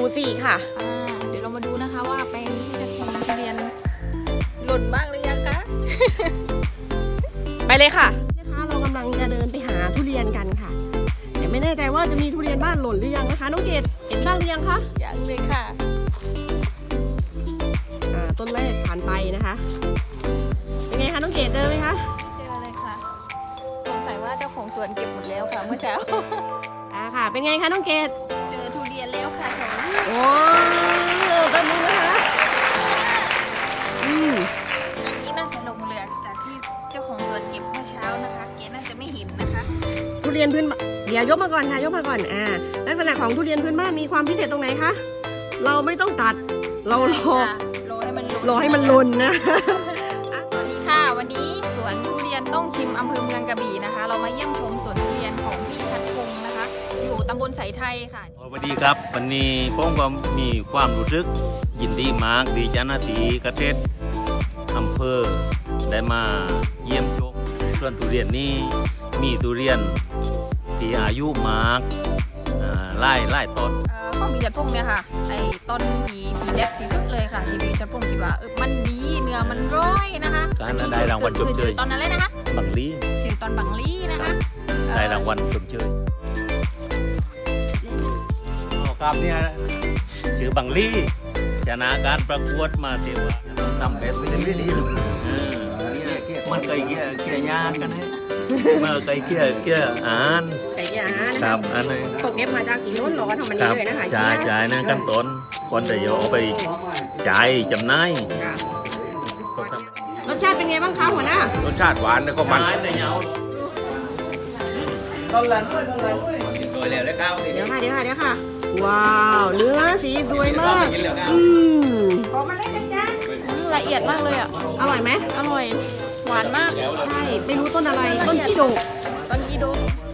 4ค่ะเดี๋ยวเรามาดูนะคะว่าแปลงที่จะทำทุเรียนหล่นบ้างหรือยังคะไปเลยค่ะนะคะเรากำลังจะเดินไปหาทุเรียนกันค่ะแต่ไม่แน่ใจว่าจะมีทุเรียนบ้านหล่นหรือยังนะคะน้องเกดเห็นบ้างหรือยังคะยังเลยค่ะต้นแรกผ่านไปนะคะเป็นไงคะน้องเกดเจอไหมคะเจอเลยค่ะสงสัยว่าเจ้าของสวนเก็บหมดแล้วค่ะเมื่อเช้าค่ะเป็นไงคะน้องเกดเจอทุเรียนแล้วค่ะสองโอ้แป๊บนึงนะคะอันนี้น่าจะลงเรือจากที่เจ้าของสวนเก็บเมื่อเช้านะคะเกน่าจะไม่เห็นนะคะทุเรียนพื้นเดี๋ยวยกมาก่อนค่ะยกมาก่อนลักษณะของทุเรียนพื้นบ้านมีความพิเศษตรงไหนคะเราไม่ต้องตัดเรารอให้มันหล่นนะสวัสดีค่ะวันนี้สวนทุเรียนต้องชิมอำเภอเมืองกระบี่นะคะ เรามาเยี่ยมชมสวนทุเรียนของพี่ชัดพงศ์นะคะ อยู่ตำบลสายไทยค่ะสวัสดีครับวันนี้ผมก็มีความรู้สึกยินดีมากดีจ้าหน้าที่เกษตรอำเภอได้มาเยี่ยมชมสวนทุเรียนนี้มีทุเรียนที่อายุมากไล่ต้นข้องพี่ชัดพงศ์เนี่ยค่ะไอ้ต้นที่เด็ดที่สุดเลยค่ะที่พี่ชัดพงศ์คิดว่ามันดีเนื้อมันร้อยนะคะการได้รางวัลชมเชยตอนนั้นเลยนะคะบังลีชื่อตอนบังลีนะคะได้รางวัลชมเชยครับเนี่ยชื่อบังลีชนะการประกวดมาเทวะทำแบบไม่ได้ดีมันไก่เกี่ยยากกันให้มาไก่เกี่ยอ่านไก่เกี่ยอ่านครับอันนี้ตกเก็บมาจากสีโน้นหรอทำมันนี้เลยนะคะจ่ายนะขั้นตอนคนจะเอาไปจ่ายจำนายรสชาติเป็นไงบ้างคะหัวหน้ารสชาติหวานแล้วก็มันต้นละด้วยสวยแล้วข้าวเดี๋ยวค่ะว้าวเนื้อสีสวยมากละเอียดมากเลยอ่ะอร่อยไหมอร่อยหวานมากใช่ไม่รู้ต้นอะไรต้นขี้โดกต้นกีโด